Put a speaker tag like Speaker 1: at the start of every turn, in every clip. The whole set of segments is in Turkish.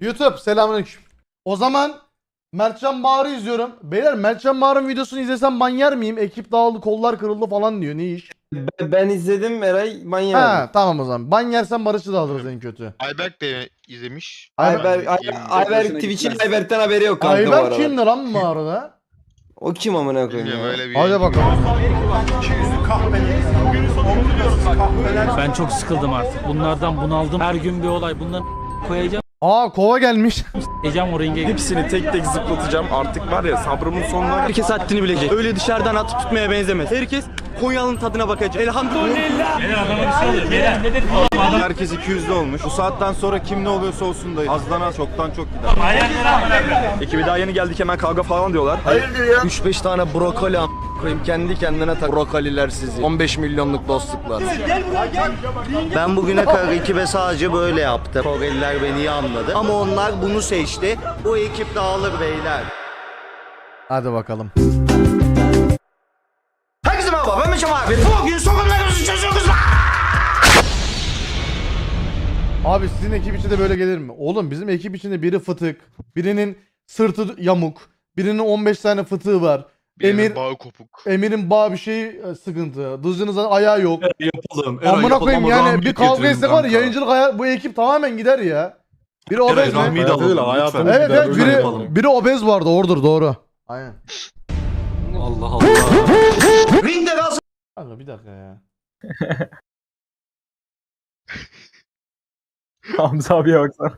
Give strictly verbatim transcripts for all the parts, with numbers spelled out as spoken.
Speaker 1: YouTube selamünaleyküm. O zaman Mertcan Bağır'ı izliyorum. Beyler Mertcan Bağır'ın videosunu izlesem ban yer miyim? Ekip dağıldı, kollar kırıldı falan diyor. Ne iş?
Speaker 2: Ben, ben izledim Eray manyak.
Speaker 1: Ha tamam o zaman. Ban yersen Barış'ı da alırız en kötü.
Speaker 3: Ayberk de izlemiş.
Speaker 2: Ayber,
Speaker 3: Ben
Speaker 2: Ay,
Speaker 3: izleyeyim.
Speaker 2: Ayber Twitch'in Ayberk'ten haberi yok kanka bu
Speaker 1: Ayber
Speaker 2: arada.
Speaker 1: kimdi lan bu arada?
Speaker 2: O kim amına koyayım
Speaker 3: Bilmiyorum
Speaker 2: ya?
Speaker 3: öyle bir
Speaker 1: Hadi
Speaker 3: yayıncı.
Speaker 1: bakalım.
Speaker 4: Ben çok sıkıldım artık. Bunlardan bunaldım. Her gün bir olay. Bunları koyacağım.
Speaker 1: Aa kova gelmiş.
Speaker 4: Ecem o ringe.
Speaker 5: Hepsini tek tek zıplatacağım. Artık var ya sabrımın sonuna. Herkes haddini bilecek. Öyle dışarıdan atıp tutmaya benzemez. Herkes Konyalı'nın tadına bakacak. Elhamdülillah.
Speaker 4: Beyler adama bir şey oluyor. Beyler ne dedi? Adam
Speaker 5: Herkes iki yüzlü olmuş. Bu saatten sonra kim ne oluyorsa olsun da azdan az çoktan çok gider.
Speaker 4: ayaklara
Speaker 5: Ekibi daha yeni geldik hemen kavga falan diyorlar. Hayırdır ya?
Speaker 2: üç beş tane brokoli am koyayım kendi kendine tak brokoliler sizi. on beş milyonluk dostluklar.
Speaker 6: Ben bugüne kadar ekibe sadece böyle yaptım. Koreliler beni iyi anladı. Ama onlar bunu seçti. Bu ekip dağılır beyler.
Speaker 1: Hadi bakalım.
Speaker 6: Herkese merhaba, ben Meşem abi. Bugün sorunlarımızı çözüyoruz lan.
Speaker 1: Abi sizin ekip içinde böyle gelir mi? Oğlum bizim ekip içinde biri fıtık, birinin sırtı yamuk, birinin on beş tane fıtığı var.
Speaker 3: Birinin
Speaker 1: Emir
Speaker 3: bağı kopuk.
Speaker 1: Emir'in bağ bir şey e, sıkıntı. Dızcınızın ayağı yok.
Speaker 7: Yapalım.
Speaker 1: Amına koyayım yani bir kavga etsek var ya, yayıncılık hayat, bu ekip tamamen gider ya. Biri obez mi?
Speaker 7: Rahmi'yi de alalım.
Speaker 5: hayatım-
Speaker 1: Evet evet
Speaker 7: Öyle
Speaker 1: biri,
Speaker 7: yapalım.
Speaker 1: biri obez vardı ordur doğru. Aynen.
Speaker 7: Allah Allah.
Speaker 6: Ringde kalsın.
Speaker 1: Kanka bir dakika ya.
Speaker 8: Hamza abiye baksana.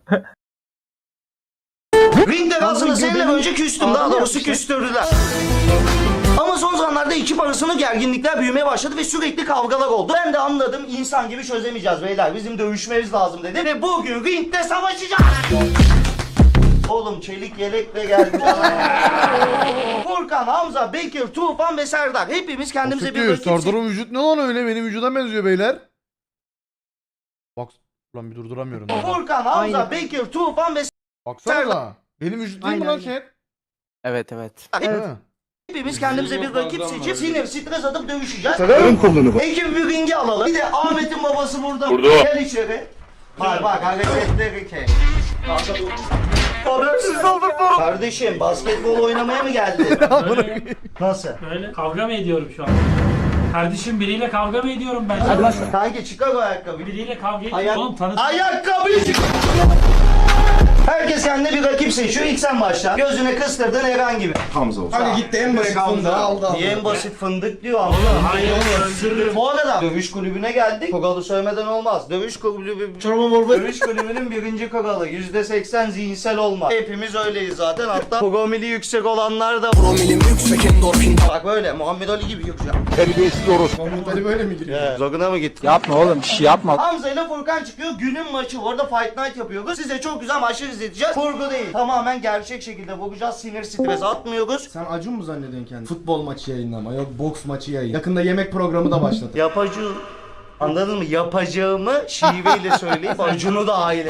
Speaker 6: Ringde kalsın seneler önce küstüm. Daha doğrusu küstürdüler. Ama son zamanlarda ekip arasında gerginlikler büyümeye başladı ve sürekli kavgalar oldu. Ben de anladım, insan gibi çözemeyeceğiz beyler. Bizim dövüşmemiz lazım dedi. Ve bugün ringde savaşacağız. Oğlum çelik yelekle geldi. Furkan, Hamza, Bekir, Tufan ve Serdar. Hepimiz kendimize bir
Speaker 1: Siktir,
Speaker 6: rakip
Speaker 1: Serdar'ın vücut ne lan öyle, benim vücuda benziyor beyler. Bak lan bir durduramıyorum. ya.
Speaker 6: Furkan, Hamza, Bekir, Tufan ve
Speaker 1: Baksana. Benim vücut değil mi lan şey?
Speaker 2: Evet evet.
Speaker 6: Serdar.
Speaker 1: Ha.
Speaker 6: Hepimiz kendimize bir rakip seçip sinir, stres atıp dövüşeceğiz. Ekibi bir ringe alalım. Bir de Ahmet'in babası burada. Burada. Gel içeri. Bak bak hareketleri ke. Habersiz olduk bu. Kardeşim basketbol oynamaya mı geldin? Nasıl?
Speaker 4: Böyle kavga mı ediyorum şu an? Kardeşim biriyle kavga mı ediyorum ben?
Speaker 6: Kanki çıkar o ayakkabıyı.
Speaker 4: Biriyle kavga ediyorum.
Speaker 6: Ayak...
Speaker 4: Oğlum tanıt.
Speaker 6: Ayakkabıyı çıkar. Herkes kendine bir rakip seçiyor. İlk sen başla. Gözüne kıstırdın herhangi bir.
Speaker 5: Hamza olsun.
Speaker 2: Hadi gitti en basit fındığı aldı.
Speaker 6: Niye en basit fındık diyor ama.
Speaker 4: Hayır ısırırım.
Speaker 6: Bu arada dövüş kulübüne geldik. Kuralı söylemeden olmaz. Dövüş kulübü Dövüş kulübünün birinci kuralı yüzde seksen zihinsel olmak. Hepimiz öyleyiz zaten. Hatta promili yüksek olanlar da promilim yüksek endorfin. Bak böyle Muhammed Ali gibi yüksek.
Speaker 5: Terbiyesiz orospu.
Speaker 2: Muhammed Ali böyle mi giriyor?
Speaker 6: Yeah. Zoruna mı gitti?
Speaker 2: Yapma oğlum bir şey yapma.
Speaker 6: Hamza ile Furkan çıkıyor. Günün maçı. Orada Fight Night yapıyoruz. Size çok güzel maçlar izleteceğiz. Kurgu değil. Tamamen gerçek şekilde vuracağız. Sinir stres atmıyoruz.
Speaker 2: Sen Acun mu zannediyorsun kendini? Futbol maçı yayınlama yok boks maçı yayın. Yakında yemek programı da başladı.
Speaker 6: Yapacı Anladın mı? Yapacağımı şiveyle söyleyip Acun'u da aile.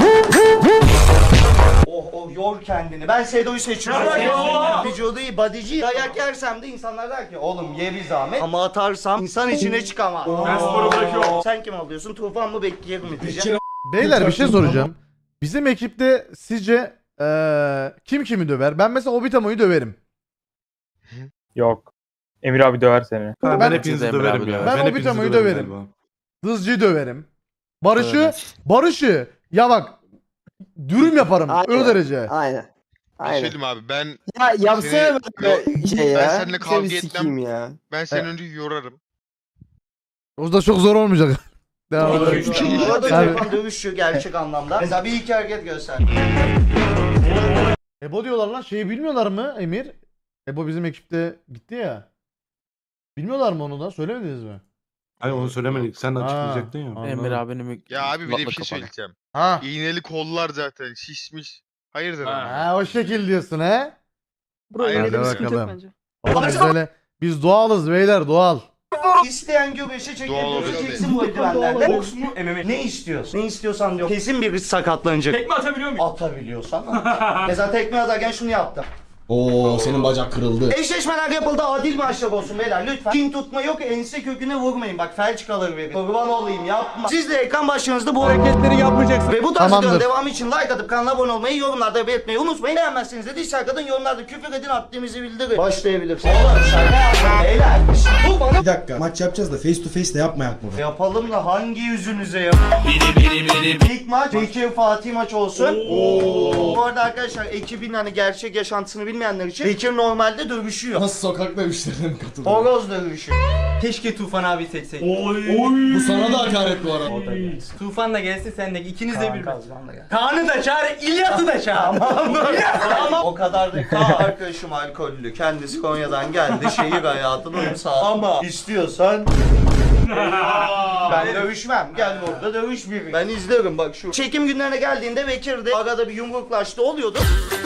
Speaker 6: Oh oh yor kendini. Ben Sedo'yu seçiyorum. Vücudu iyi, bodyci. Dayak yersem de insanlar der ki oğlum ye bir zahmet. Ama atarsam insan içine çıkamaz. Ben sporu bırakıyorum. Sen kim alıyorsun? Tufan mı Bekir mi diyeceğim.
Speaker 1: Beyler bir şey soracağım. Bizim ekipte sizce eee, kim kimi döver? Ben mesela Obitamo'yu döverim.
Speaker 8: Yok. Emir abi döver seni.
Speaker 1: Ben-
Speaker 7: Ben, ben hepinizi döverim ya.
Speaker 1: Ben
Speaker 7: hepinizi
Speaker 1: Obitamo'yu
Speaker 7: döverim
Speaker 1: döverim.
Speaker 7: galiba.
Speaker 1: Dızcı'yı döverim. Barış'ı, Barış'ı ya bak dürüm yaparım
Speaker 2: Aynen.
Speaker 1: o derece.
Speaker 2: Aynen.
Speaker 3: Bir şey
Speaker 2: Aynen.
Speaker 3: söyleyeyim abi ben
Speaker 2: Ya yapsana
Speaker 3: Seni-
Speaker 2: böyle şey ya.
Speaker 3: Ben seninle kavga
Speaker 2: Seni
Speaker 3: etmem.
Speaker 2: sikeyim ya.
Speaker 3: ben seni önce yorarım.
Speaker 1: O da çok zor olmayacak. Devam
Speaker 4: Doğru.
Speaker 1: edelim.
Speaker 6: Bu arada
Speaker 1: Tabii.
Speaker 6: Tufan dövüşüyor gerçek anlamda. Mesela bir iki hareket göster.
Speaker 1: Ebo diyorlar lan, şeyi bilmiyorlar mı Emir? Ebo bizim ekipte gitti ya. Bilmiyorlar mı onu da? Söylemediniz mi?
Speaker 7: Hayır onu söylemedik. Sen
Speaker 1: Ha,
Speaker 7: açıklayacaktın ya.
Speaker 1: anladım.
Speaker 2: Emir abinin
Speaker 3: Ya abi bir de bir şey söyleyeceğim.
Speaker 1: Ha.
Speaker 3: İğneli kollar zaten şişmiş. Hayırdır
Speaker 4: Ha.
Speaker 3: abi?
Speaker 1: Ha o şekil diyorsun he?
Speaker 3: Hayırdır
Speaker 1: Hadi
Speaker 3: abi?
Speaker 1: bakalım. Oğlum biz böyle biz doğalız beyler, doğal.
Speaker 6: İsteyen göbeşe
Speaker 3: Doğal
Speaker 6: çekebiliyor.
Speaker 3: olacak
Speaker 6: Çeksin bu eldivenlerle. Boks mu? M M A. Ne istiyorsun? Ne istiyorsan diyor. Kesin birisi sakatlanacak.
Speaker 4: Tekme atabiliyor muyum?
Speaker 6: Atabiliyorsan. Mesela tekme atarken şunu yaptım.
Speaker 2: Oo senin bacak kırıldı.
Speaker 6: Eşleşmeler yapıldı, adil maçlar olsun beyler lütfen. Kin tutma yok, ense köküne vurmayın. Bak felç kalır verin. Kurban olayım yapma. Siz de ekran başlarınızda bu hareketleri yapmayacaksınız. Ve bu tarz
Speaker 1: Tamamdır.
Speaker 6: videonun devamı için like atıp kanala abone olmayı, yorumlarda belirtmeyi unutmayın. Beğenmezseniz de dislike atın, yorumlarda küfür edin, haddimizi bildirin. Başlayabilirsiniz. Oğlum şaka yapma beyler. Bu bana
Speaker 9: Bir dakika maç yapacağız da face to face de yapmayak mı?
Speaker 6: yapalım da hangi yüzünüze yap? İlk maç Bekir Fatih maç olsun. Oo. Bu arada arkadaşlar ekibin hani gerçek yaşantısını bilmeyenler için Bekir normalde dövüşüyor.
Speaker 2: Nasıl sokak dövüşlerine mi katıldın?
Speaker 6: Horoz dövüşüyor.
Speaker 5: Keşke Tufan abi seçseydik.
Speaker 2: Bu sana da hakaret bu arada.
Speaker 5: Tufan da gelse sen de ikiniz de bir.
Speaker 6: Kazgan da gel.
Speaker 5: Kaan'ı da çağır, İlyas'ı da çağır.
Speaker 6: Ama o kadar da Kaan arkadaşım alkollü. Kendisi Konya'dan geldi. Şehir hayatının sağ. Ama istiyorsan ben dövüşmem. Gel burada dövüş bir. Ben izlerim bak şu. Çekim günlerine geldiğinde Bekir'de arada bir yumruklaştı oluyordu.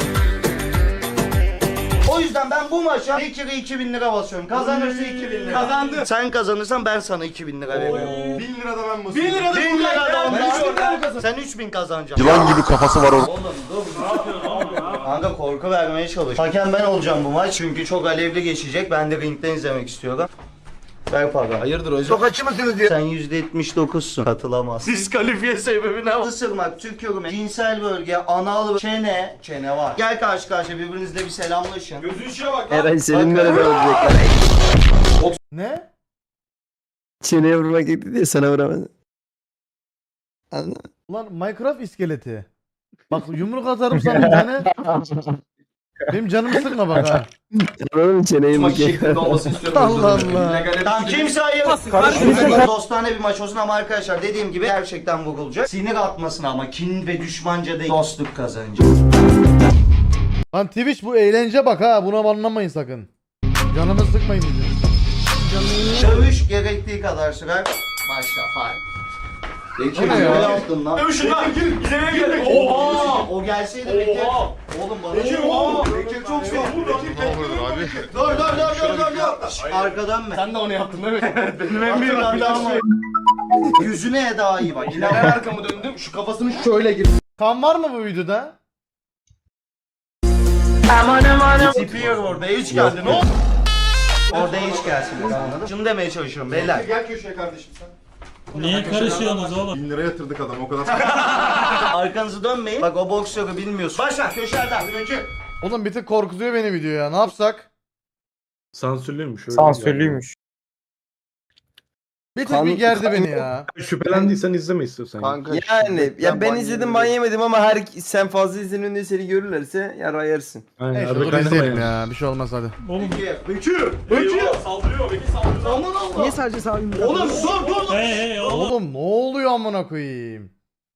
Speaker 6: O yüzden ben bu maça Bekir'e iki bin lira basıyorum. Kazanırsa iki bin lira.
Speaker 5: Kazandı.
Speaker 6: Sen kazanırsan ben sana iki bin lira veriyorum.
Speaker 9: bin lira da ben
Speaker 5: bin lira da
Speaker 6: bin lira da
Speaker 5: Ben üç bin lira
Speaker 6: ondan.
Speaker 5: kazan-
Speaker 6: Sen üç bin kazanacaksın.
Speaker 2: Yılan gibi kafası var orada.
Speaker 6: Oğlum dur ne yapıyorsun? Kanka korku vermeye çalış. Hakem ben olacağım bu maç çünkü çok alevli geçecek. Ben de ringden izlemek istiyorum. Ver para.
Speaker 2: Hayırdır hocam?
Speaker 6: Çok açı mısınız diye. Sen yüzde yetmiş dokuzsun. Katılamaz. Diskalifiye sebebi ne? Isırmak, tükürmek, cinsel bölge, anal, çene. Çene var. Gel karşı karşıya birbirinizle bir selamlaşın. Gözün içine bak.
Speaker 2: Eren senin böyle olacaklar.
Speaker 1: Ne?
Speaker 2: Çeneye vurmak gitti diye sana vuramadı. Anladın mı?
Speaker 1: Ulan Minecraft iskeleti. Bak yumruk atarım sana bir tane. Benim canımı sıkma bak ha.
Speaker 2: Anladın mı çeneyi mi?
Speaker 1: Allah Allah.
Speaker 6: Tamam kimse ayır. Dostane bir maç olsun ama arkadaşlar dediğim gibi gerçekten vurulacak. Sinir atmasın ama kin ve düşmanca değil dostluk kazanacak.
Speaker 1: Lan Twitch bu eğlence bak ha. Buna banlamayın sakın. Canımı sıkmayın diyeceğim.
Speaker 6: Dövüş gerektiği kadar sürer. Başla fay. Bekir
Speaker 1: O ne ya?
Speaker 6: ne yaptın lan?
Speaker 5: Dövüşün lan. İzlemeye geldik.
Speaker 6: Oha! O gelseydi Bekir. Oğlum bana. Bekir Bekir çok şey.
Speaker 3: Ne olur abi?
Speaker 6: Dur dur dur dur dur dur. Arkadan mı?
Speaker 5: Sen de onu yaptın değil mi?
Speaker 6: Benim en büyük hatam var. Yüzüne daha iyi bak.
Speaker 2: Ben arkamı döndüm şu kafasını şöyle gir.
Speaker 1: Kan var mı bu videoda?
Speaker 6: Tipiyor orada hiç geldi. Ne oldu? Orada hiç gelsin. Anladın? Şunu demeye çalışıyorum beyler.
Speaker 9: Gel köşeye kardeşim sen.
Speaker 4: Niye karışıyorsunuz oğlum?
Speaker 9: bin lira yatırdık adam o kadar.
Speaker 6: Arkanızı dönmeyin. Bak o boksörü bilmiyorsun. Başla köşelerden. Bekir.
Speaker 1: Oğlum bir tık korkutuyor beni video ya. Ne yapsak?
Speaker 7: Sansürlüymüş. öyle
Speaker 8: Sansürlüymüş.
Speaker 1: Bir tık
Speaker 2: Kan-
Speaker 1: bir gerdi
Speaker 2: kan-
Speaker 1: beni ya.
Speaker 7: yani. Şüphelendiysen izleme istiyorsan.
Speaker 2: Kanka.
Speaker 10: Yani ya ben
Speaker 2: ban
Speaker 10: izledim ban yemedim ama her sen fazla izlenin diye seni görürlerse yara yersin.
Speaker 7: Aynen,
Speaker 1: Neyse
Speaker 7: arada
Speaker 1: dur
Speaker 7: kaynama
Speaker 1: izleyelim
Speaker 7: yani.
Speaker 1: ya. Bir şey olmaz hadi.
Speaker 4: Oğlum.
Speaker 6: Aman Allah.
Speaker 2: Niye sadece sağlayayım?
Speaker 6: Oğlum dur dur dur.
Speaker 4: Hey hey oğlum.
Speaker 1: Oğlum ne oluyor amına koyayım?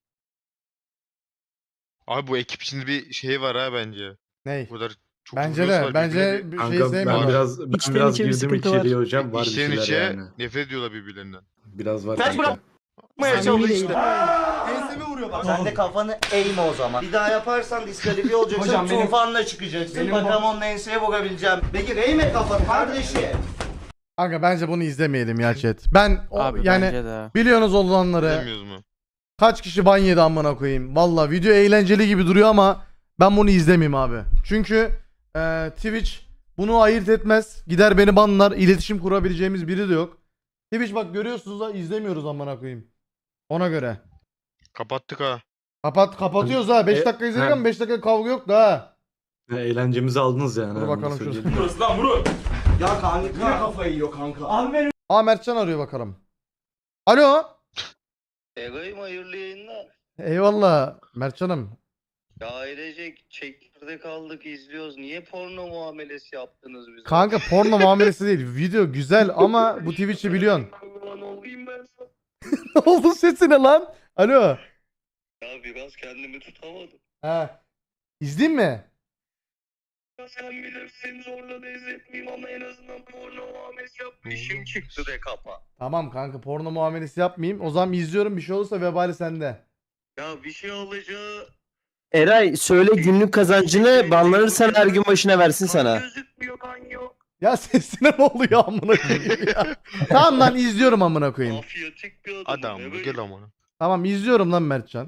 Speaker 3: Abi bu ekip içinde bir şey var ha bence.
Speaker 1: Ney?
Speaker 3: Bu kadar çok
Speaker 1: Bence
Speaker 3: influence
Speaker 1: de.
Speaker 3: var,
Speaker 1: Bence
Speaker 3: birbirine
Speaker 1: bir şey
Speaker 7: Kanka ben
Speaker 1: sevmiyorum.
Speaker 7: biraz, ben
Speaker 2: İçten
Speaker 7: biraz
Speaker 2: içe bir
Speaker 7: girdim
Speaker 2: sıkıntı var.
Speaker 7: içeriye hocam. Var bir
Speaker 3: İçten
Speaker 7: şeyler
Speaker 3: içe
Speaker 7: yani.
Speaker 3: nefret ediyorlar birbirlerinden.
Speaker 7: Biraz var.
Speaker 6: Kaç
Speaker 7: kanka.
Speaker 6: bırak. Yapmaya çalıştı. Ensemi vuruyor bak. Sen de kafanı eğme o zaman. Bir daha yaparsan diskalifiye olacaksın.
Speaker 5: Hocam benim-
Speaker 6: Tufanla çıkacaksın.
Speaker 5: benim-
Speaker 6: Bakalım onun enseye vurabileceğim. Peki eğme kafanı kardeşi.
Speaker 1: Kanka bence bunu izlemeyelim ya chat. Ben o, yani
Speaker 10: de.
Speaker 1: biliyorsunuz olanları.
Speaker 3: Bilmiyoruz mu?
Speaker 1: Kaç kişi ban yedi amına koyayım. Valla video eğlenceli gibi duruyor ama ben bunu izlemeyeyim abi. Çünkü e, Twitch bunu ayırt etmez. Gider beni banlar. İletişim kurabileceğimiz biri de yok. Twitch bak görüyorsunuz da izlemiyoruz amına koyayım. Ona göre.
Speaker 3: Kapattık ha.
Speaker 1: Kapat kapatıyoruz ha. beş
Speaker 7: E,
Speaker 1: dakika izledik
Speaker 7: he.
Speaker 1: ama beş dakika kavga yok da ha.
Speaker 7: Ha, eğlencemizi aldınız yani.
Speaker 1: Dur
Speaker 7: onu
Speaker 1: bakalım
Speaker 7: söyleyeyim.
Speaker 6: Ya kanka yine kafayı yiyor kanka. Abi benim.
Speaker 1: Aa Mertcan arıyor bakalım. Alo.
Speaker 6: Egayım hayırlı yayınlar.
Speaker 1: Eyvallah Mertcan'ım.
Speaker 6: Ya ailecek çekirdek aldık izliyoruz. Niye porno muamelesi yaptınız bize?
Speaker 1: Kanka porno muamelesi değil. Video güzel ama bu Twitch'i biliyorsun.
Speaker 6: Lan olayım ben sana.
Speaker 1: Ne oldu sesine lan? Alo.
Speaker 6: Ya biraz kendimi tutamadım.
Speaker 1: He. İzleyeyim mi?
Speaker 6: Ya sen bilirsin zorla da izletmeyeyim ama en azından porno muamelesi yap. İşim çıktı de kapa.
Speaker 1: Tamam kanka porno muamelesi yapmayayım. O zaman izliyorum bir şey olursa vebali sende.
Speaker 6: Ya bir şey olacağı
Speaker 10: Eray söyle günlük kazancını banlanırsan her gün başına versin sana.
Speaker 6: gözükmüyor kan yok.
Speaker 1: Ya sesine ne oluyor amına koyayım ya. Tamam lan izliyorum amına koyayım.
Speaker 6: Mafyatik bir adam.
Speaker 3: Adam bu gel amına.
Speaker 1: Tamam izliyorum lan Mertcan.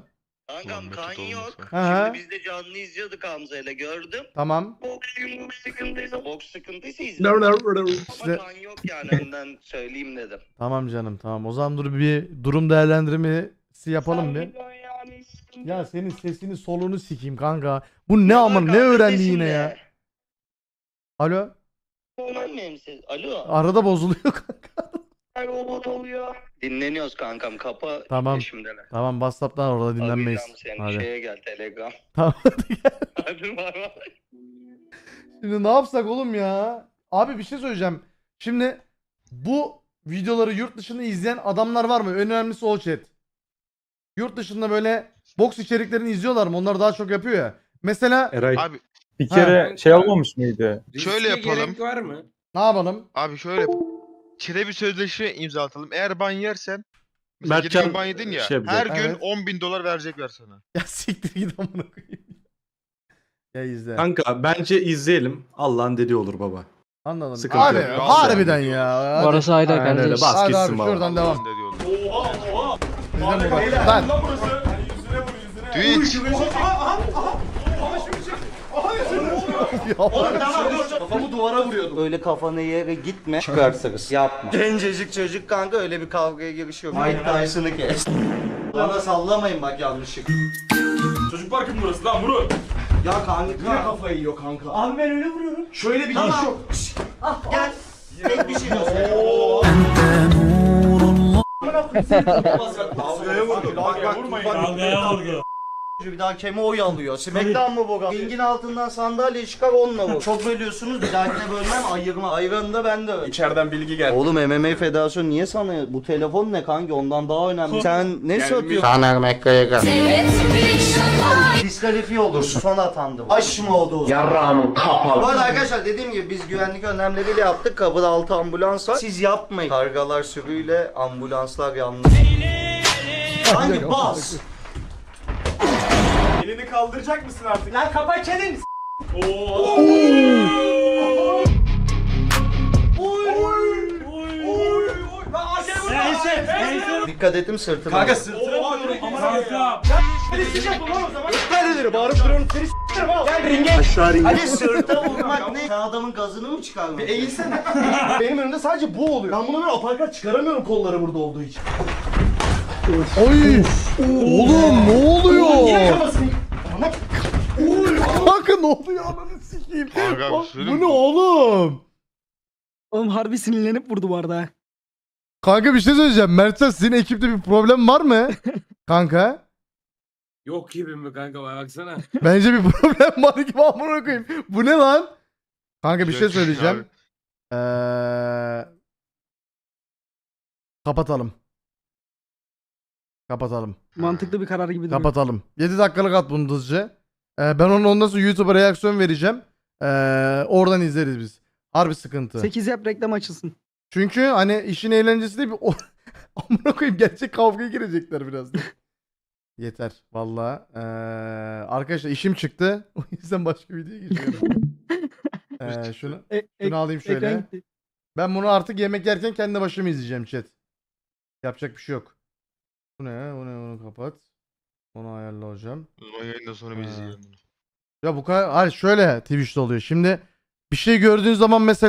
Speaker 6: Kankam
Speaker 3: Ulan
Speaker 6: kan
Speaker 3: Mesut
Speaker 6: yok.
Speaker 3: olmasa.
Speaker 1: Hı hı.
Speaker 6: Şimdi biz de canlı izliyorduk Hamza'yla gördüm.
Speaker 1: Tamam.
Speaker 6: Boks sıkıntıysa, boks sıkıntıysa
Speaker 7: No,
Speaker 6: izledim.
Speaker 7: no, no, no.
Speaker 1: İşte-
Speaker 6: Ama kan yok yani önden söyleyeyim dedim.
Speaker 1: Tamam canım tamam. O zaman dur bir durum değerlendirmesi yapalım bir. Ya senin sesini soluğunu sikeyim kanka. Bu ne ama ne
Speaker 6: Kanka,
Speaker 1: öğrendi
Speaker 6: sesim
Speaker 1: yine
Speaker 6: ne?
Speaker 1: ya? Alo?
Speaker 6: Normal benim ses. Alo.
Speaker 1: Arada bozuluyor kanka.
Speaker 6: Robot oluyor. Dinleniyoruz kankam. Kapa
Speaker 1: Tamam.
Speaker 6: şimdiler.
Speaker 1: Tamam WhatsApp'tan orada dinlenmeyiz.
Speaker 6: Arayacağım seni.
Speaker 1: Hadi.
Speaker 6: Şeye gel Telegram.
Speaker 1: Tamam hadi gel.
Speaker 6: Hadi bay bay.
Speaker 1: Şimdi ne yapsak oğlum ya? Abi bir şey söyleyeceğim. Şimdi bu videoları yurt dışında izleyen adamlar var mı? En önemlisi o chat. Yurt dışında böyle boks içeriklerini izliyorlar mı? Onlar daha çok yapıyor ya. Mesela
Speaker 7: Eray.
Speaker 3: Abi
Speaker 8: Bir kere şey olmamış mıydı?
Speaker 3: şöyle yapalım.
Speaker 9: var mı?
Speaker 1: ne yapalım?
Speaker 3: Abi şöyle yap. Çile bir sözleşme imzalatalım. Eğer ban yersen mesela
Speaker 7: Mertcan
Speaker 3: geçen ban yedin ya.
Speaker 7: şey yapacak.
Speaker 3: her gün
Speaker 1: Evet.
Speaker 3: on bin dolar verecekler sana.
Speaker 1: Ya siktir git amına koyayım. Ya izle.
Speaker 7: Kanka bence izleyelim. Allah'ın dediği olur baba.
Speaker 1: Anladım.
Speaker 7: Sıkıntı
Speaker 1: Abi
Speaker 7: yok.
Speaker 1: harbiden ya. Hadi.
Speaker 10: Orası ayrı
Speaker 7: Aynen öyle,
Speaker 10: kardeş.
Speaker 7: bas
Speaker 1: Hadi
Speaker 7: gitsin
Speaker 1: abi
Speaker 7: baba.
Speaker 1: şuradan devam.
Speaker 3: Ne diyorlar?
Speaker 1: Bizden mi bak? Lan.
Speaker 3: Twitch.
Speaker 6: Kafamı duvara vuruyordum. Öyle kafana yere gitme. Çıkarsınız. Yapma. Gencecik çocuk kanka öyle bir kavgaya girişiyor. Mike Tyson'ı kes. Bana sallamayın bak yanlışlıkla.
Speaker 9: Çocuk parkı mı burası lan Murat?
Speaker 6: Ya kanka.
Speaker 9: Yine kafayı yiyor kanka.
Speaker 6: Abi ben öyle vuruyorum.
Speaker 9: Şöyle bir
Speaker 6: Tamam.
Speaker 9: giriş yok.
Speaker 6: Ah gel. Tek bir şey göster.
Speaker 9: Dalgaya vurdu. Bak bak
Speaker 8: Dalgaya vurdu.
Speaker 6: Bir daha keme oy alıyor. Smackdown mı bu? Ringin altından sandalye çıkar onunla vur. Çok bölüyorsunuz bir dahakine bölmem ayırma. Ayranı da ben de öyle.
Speaker 9: İçeriden bilgi geldi.
Speaker 6: Oğlum M M A Federasyonu niye sana bu telefon ne kanki ondan daha önemli. Sen ne satıyorsun?
Speaker 10: Conor McGregor.
Speaker 6: Diskalifiye olursun. Son atandı. Aş mı oldu o zaman? Yarrağımın kapalı. Bu arada arkadaşlar dediğim gibi biz güvenlik önlemleriyle yaptık. Kapıda altı ambulans var. Siz yapmayın. Kargalar sürüyle ambulanslar yanlış. Hangi bas?
Speaker 9: Elini kaldıracak mısın artık?
Speaker 6: Lan kapa çeneni.
Speaker 8: Neyse, neyse.
Speaker 6: Dikkat ettim sırtına.
Speaker 9: Kanka sırtına vuruyorum.
Speaker 8: Kanka.
Speaker 9: Nereleri bağırıp duruyorum seni s**erim ha. Gel ringe. Aşağı ringe.
Speaker 6: Hadi sırta vurmak ne? Sen adamın gazını mı çıkarmadın?
Speaker 9: Bir eğilsene. Benim önümde sadece bu oluyor. Ben buna böyle aparkat çıkaramıyorum kolları burada olduğu için.
Speaker 1: Oy. Oğlum ne oluyor?
Speaker 9: Niye kafasını... Ana...
Speaker 1: Kanka ne oluyor ananı sikeyim.
Speaker 3: Kanka bir
Speaker 1: Bak,
Speaker 3: söyleyeyim
Speaker 1: bu ne
Speaker 3: mi?
Speaker 1: oğlum?
Speaker 10: Oğlum harbi sinirlenip vurdu bu arada.
Speaker 1: Kanka bir şey söyleyeceğim. Mertcan sizin ekipte bir problem var mı? Kanka.
Speaker 8: Yok gibi mi kanka baksana.
Speaker 1: Bence bir problem var gibi amına koyayım. Bu ne lan? Kanka bir şey
Speaker 3: Yok,
Speaker 1: söyleyeceğim. Ee... Kapatalım. Kapatalım.
Speaker 10: Mantıklı bir karar gibi
Speaker 1: Kapatalım. yedi dakikalık at bunu hızlıca. Ee, ben onu ondan sonra YouTube'a reaksiyon vereceğim. Ee, oradan izleriz biz. Harbi sıkıntı.
Speaker 10: sekiz yap reklam açılsın.
Speaker 1: Çünkü hani işin eğlencesi de bir o... amına koyayım gerçek kavgaya girecekler birazdan. Yeter valla. Ee, arkadaşlar işim çıktı. O yüzden başka videoya geçiyorum. ee, şunu,
Speaker 10: E,
Speaker 1: şunu alayım şöyle. Ben bunu artık yemek yerken kendi başıma izleyeceğim chat. Yapacak bir şey yok. Bu ne? Bu ne? Bunu kapat. Onu ayarla hocam.
Speaker 3: O yayından sonra bir
Speaker 1: Ha.
Speaker 3: izleyelim bunu.
Speaker 1: Ya bu kadar. Hayır şöyle Twitch'te oluyor. Şimdi bir şey gördüğün zaman mesela